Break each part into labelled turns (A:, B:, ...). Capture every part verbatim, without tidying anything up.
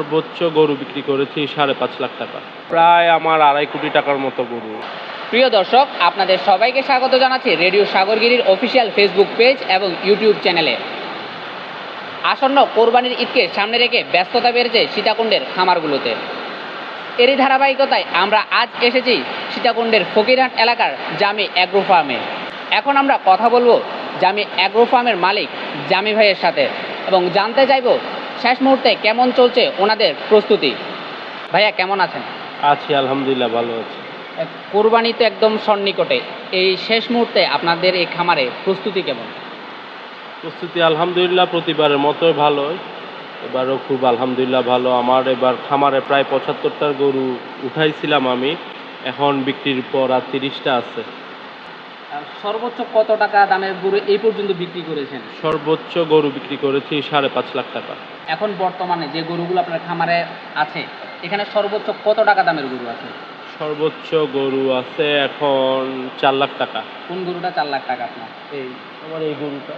A: সর্বোচ্চ গরু বিক্রি করেছি সাড়ে পাঁচ লাখ টাকা, প্রায় আমার আড়াই কোটি টাকার মতো গরু।
B: প্রিয় দর্শক, আপনাদের সবাইকে স্বাগত জানাচ্ছি রেডিও সাগরগিরির অফিসিয়াল ফেসবুক পেজ এবং ইউটিউব চ্যানেলে। আসন্ন কোরবানির ঈদকে সামনে রেখে ব্যস্ততা বেড়েছে সীতাকুণ্ডের খামারগুলোতে। এরই ধারাবাহিকতায় আমরা আজ এসেছি সীতাকুণ্ডের ফকিরহাট এলাকার জামি অ্যাগ্রো ফার্মে। এখন আমরা কথা বলবো জামি অ্যাগ্রো ফার্মের মালিক জামি ভাইয়ের সাথে এবং জানতে চাইব শেষ মুহূর্তে কেমন চলছে ওনাদের প্রস্তুতি। ভাইয়া কেমন আছেন?
A: আছি আলহামদুলিল্লাহ, ভালো আছি।
B: কোরবানি তো একদম সন্নিকটে, এই শেষ মুহূর্তে আপনাদের এই খামারে প্রস্তুতি কেমন?
A: প্রস্তুতি আলহামদুলিল্লাহ প্রতিবারের মতোই ভালো, এবারও খুব আলহামদুলিল্লাহ ভালো। আমার এবার খামারে প্রায় পঁচাত্তরটার গরু উঠাইছিলাম আমি, এখন বিক্রির পর আর তিরিশটা আছে।
B: সর্বোচ্চ কত টাকা দামের গরু এই পর্যন্ত বিক্রি করেছেন?
A: সর্বোচ্চ গরু বিক্রি করেছি সাড়ে পাঁচ লাখ টাকা।
B: এখন বর্তমানে যে গরুগুলো আপনার খামারে আছে এখানে সর্বোচ্চ কত টাকা দামের গরু আছে?
A: সর্বোচ্চ গরু আছে এখন চার লাখ টাকা।
B: কোন গরুটা চার লাখ টাকা আপনার?
A: এই আমার এই গরুটা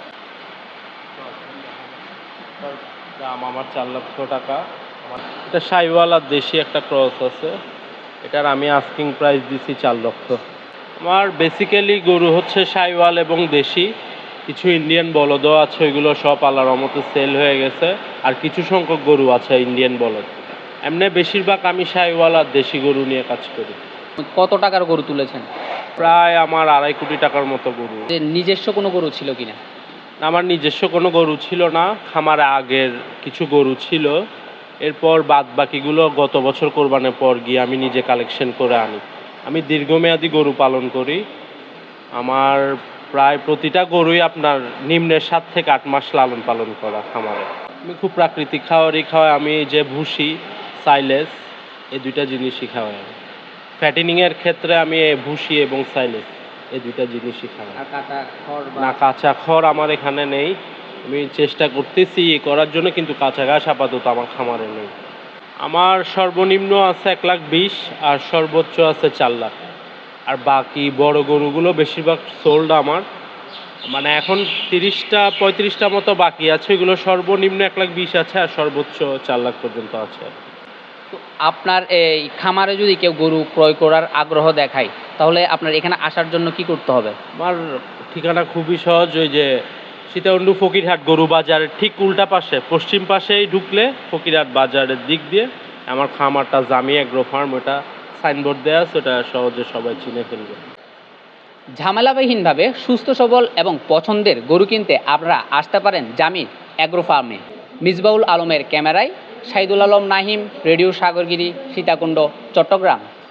A: দাম আমার চার লক্ষ টাকা। এটা সাইওয়াল আর দেশি একটা ক্রস আছে, এটার আমি আস্কিং প্রাইস দিছি চার লক্ষ। আমার বেসিক্যালি গরু হচ্ছে সাইওয়াল এবং দেশি, কিছু ইন্ডিয়ান বলদও আছে, ওইগুলো সব আল্লাহর রহমতে সেল হয়ে গেছে। আর কিছু সংখ্যক গরু আছে ইন্ডিয়ান বলদ। এমনি বেশিরভাগ আমি সাইওয়াল আর দেশি গরু নিয়ে কাজ করি।
B: কত টাকার গরু তুলেছেন?
A: প্রায় আমার আড়াই কোটি টাকার মতো গরু।
B: যে নিজস্ব কোনো গরু ছিল কিনা?
A: আমার নিজস্ব কোনো গরু ছিল না, খামারে আগের কিছু গরু ছিল, এরপর বাদ বাকিগুলো গত বছর কোরবানের পর গিয়ে আমি নিজে কালেকশন করে আনি। আমি দীর্ঘমেয়াদী গরু পালন করি। আমার প্রায় প্রতিটা গরুই আপনার নিম্নের সাত থেকে আট মাস লালন পালন করা খামারে। আমি খুব প্রাকৃতিক খাওয়ারই খাওয়াই, আমি যে ভুসি সাইলেস এই দুইটা জিনিসই খাওয়াই। আমি ফ্যাটেনিংয়ের ক্ষেত্রে আমি ভুসি এবং সাইলেস এই দুইটা জিনিসই খাওয়াই।
B: আর কাঁচা খড়
A: না, কাঁচা খড় আমার এখানে নেই, আমি চেষ্টা করতেছি করার জন্য, কিন্তু কাঁচা ঘাস আপাতত আমার খামারে নেই। আমার সর্বনিম্ন আছে এক লাখ বিশ আর সর্বোচ্চ আছে চার লাখ। আর বাকি বড় গরুগুলো বেশিরভাগ সোল্ড আমার, মানে এখন তিরিশটা পঁয়ত্রিশটা মতো বাকি আছে, ওইগুলো সর্বনিম্ন এক লাখ বিশ আছে আর সর্বোচ্চ চার লাখ পর্যন্ত আছে।
B: তো আপনার এই খামারে যদি কেউ গরু ক্রয় করার আগ্রহ দেখায় তাহলে আপনার এখানে আসার জন্য কি করতে হবে?
A: আমার ঠিকানা খুবই সহজ, ওই যে সীতাকুণ্ড ফকিরহাট গরু বাজারের ঠিক উল্টা পাশে পশ্চিম পাশেই ঢুকলে ফকিরহাট বাজারের দিক দিয়ে আমার খামারটা জামি অ্যাগ্রো ফার্ম, ওটা সাইনবোর্ড দেওয়া আছে, ওটা সহজে সবাই চিনে ফেলবে।
B: ঝামেলাবিহীনভাবে সুস্থ সবল এবং পছন্দের গরু কিনতে আপনারা আসতে পারেন জামি অ্যাগ্রো ফার্মে। মিসবাউল আলমের ক্যামেরায় শাহিদুল আলম নাহিম, রেডিও সাগরগিরি, সীতাকুণ্ড, চট্টগ্রাম।